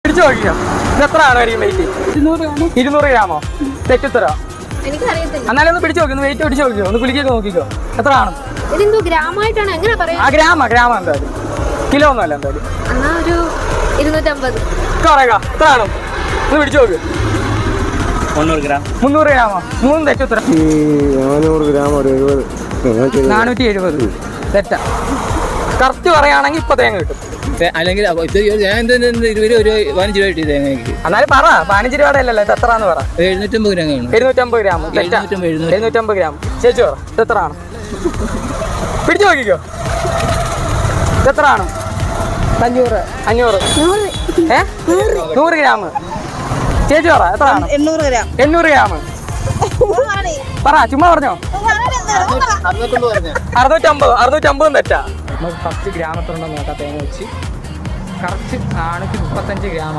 പിടിച്ചു നോക്കിയോ, ഇത് എത്ര ആണ് വരും വെയിറ്റ്? 200 ഗ്രാമോ? തെറ്റുത്തരോ? എന്നാലും ഒന്ന് പിടിച്ചു നോക്കി, ഒന്ന് വെയിറ്റ് പിടിച്ചു നോക്കിയോ, ഒന്ന് കുലിക്കൊക്കെ നോക്കിക്കോ, എത്ര ആണ്? ആ ഗ്രാമ എന്തായാലും, കിലോ ഒന്നുമല്ല എന്തായാലും. കുറേക്കാ, എത്ര ആണ്? ഒന്ന് പിടിച്ചു നോക്ക്. 300 ഗ്രാമോ? 3 തെറ്റുത്തരം. 400 ഗ്രാം ഒരു 470. തെറ്റാ. കറക്റ്റ് പറയുകയാണെങ്കിൽ ഇപ്പൊ തേങ്ങ കിട്ടും. അല്ലെങ്കിൽ എന്നാലും പറ, 15 രൂപയുടെ അല്ലല്ലോ, ഇത് എത്രയാന്ന് പറ. 750 ഗ്രാം. 750 ഗ്രാം. 750 ഗ്രാം. ചേച്ചി പറ, ഇത് എത്ര ആണ്? പിടിച്ചു നോക്കിക്കോ, ഇത് എത്ര ആണ്? 500. 100 ഗ്രാം. ചേച്ചി പറ, എത്ര ആണ്? 800 ഗ്രാം. പറ, ചുമ്മാ പറഞ്ഞോ. 650 തെറ്റാ. നമുക്ക് ഫസ്റ്റ് ഗ്രാമത്തിലുണ്ടോ നോക്കാം. തേങ്ങ വെച്ച് കറക്റ്റ് 435 ഗ്രാം.